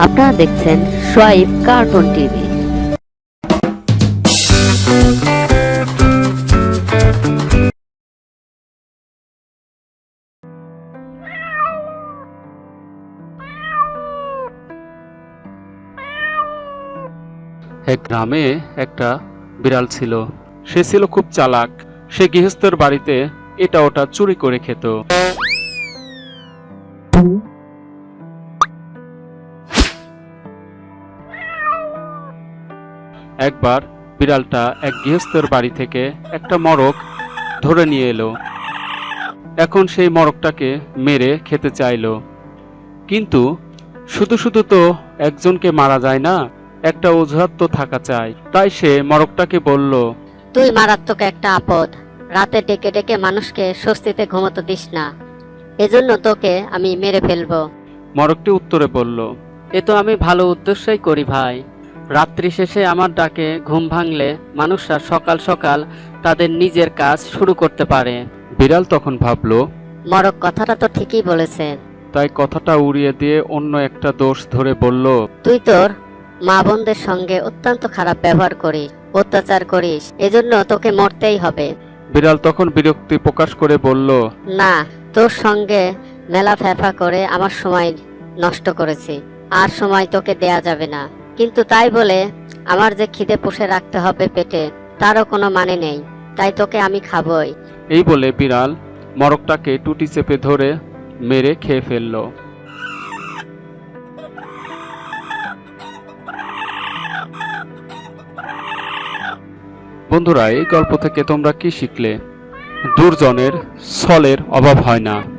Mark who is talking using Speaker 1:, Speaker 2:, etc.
Speaker 1: আপনারা দেখছেন Shoaib cartoon TV.
Speaker 2: এক গ্রামে একটা বিড়াল ছিল। সে ছিল খুব চালাক। সে গৃহস্থের বাড়িতে এটা ওটা চুরি করে খেত। একবার বিড়ালটা এক গৃহস্থের বাড়ি থেকে একটা মরক ধরে নিয়ে এলো। এখন সেই মরকটাকে মেরে খেতে চাইলো, কিন্তু শুধু শুধু তো একজনকে মারা যায় না, একটা অজুহাত তো থাকা চাই। তাই সে মরকটাকে বলল,
Speaker 1: তুই মারাত্মক একটা আপদ। রাতে ডেকে ডেকে মানুষকে স্বস্তিতে ঘুমোতে দিস না, এজন্য তোকে আমি মেরে ফেলবো।
Speaker 2: মরকটি উত্তরে বলল,
Speaker 3: এ তো আমি ভালো উদ্দেশ্যই করি ভাই। রাত্রি শেষে আমার ডাকে ঘুম ভাঙলে মানুষরা সকাল সকাল তাদের নিজের কাজ শুরু করতে পারে।
Speaker 2: বিড়াল তখন ভাবলো,
Speaker 1: মরক কথাটা তো ঠিকই বলেছে।
Speaker 2: তাই কথাটা উড়িয়ে দিয়ে অন্য একটা দোষ ধরে বলল,
Speaker 1: তুই তোর মা বোনদের সঙ্গে অত্যন্ত খারাপ ব্যবহার করিস, অত্যাচার করিস, এজন্য তোকে মরতেই হবে।
Speaker 2: বিড়াল তখন বিরক্তি প্রকাশ করে বলল,
Speaker 1: না, তোর সঙ্গে মেলা ফেফা করে আমার সময় নষ্ট করেছি, আর সময় তোকে দেয়া যাবে না। কিন্তু তাই বলে আমার যে খিদে পুষে রাখতে হবে পেটে, তারও কোনো মানে নেই। তাই তোকে আমি খাবই।
Speaker 2: এই বলে বিড়াল মরকটাকে টুটি চেপে ধরে মেরে খেয়ে ফেলল। বন্ধুরা, এই গল্প থেকে তোমরা কি শিখলে? দুর্জনের ছলের অভাব হয় না।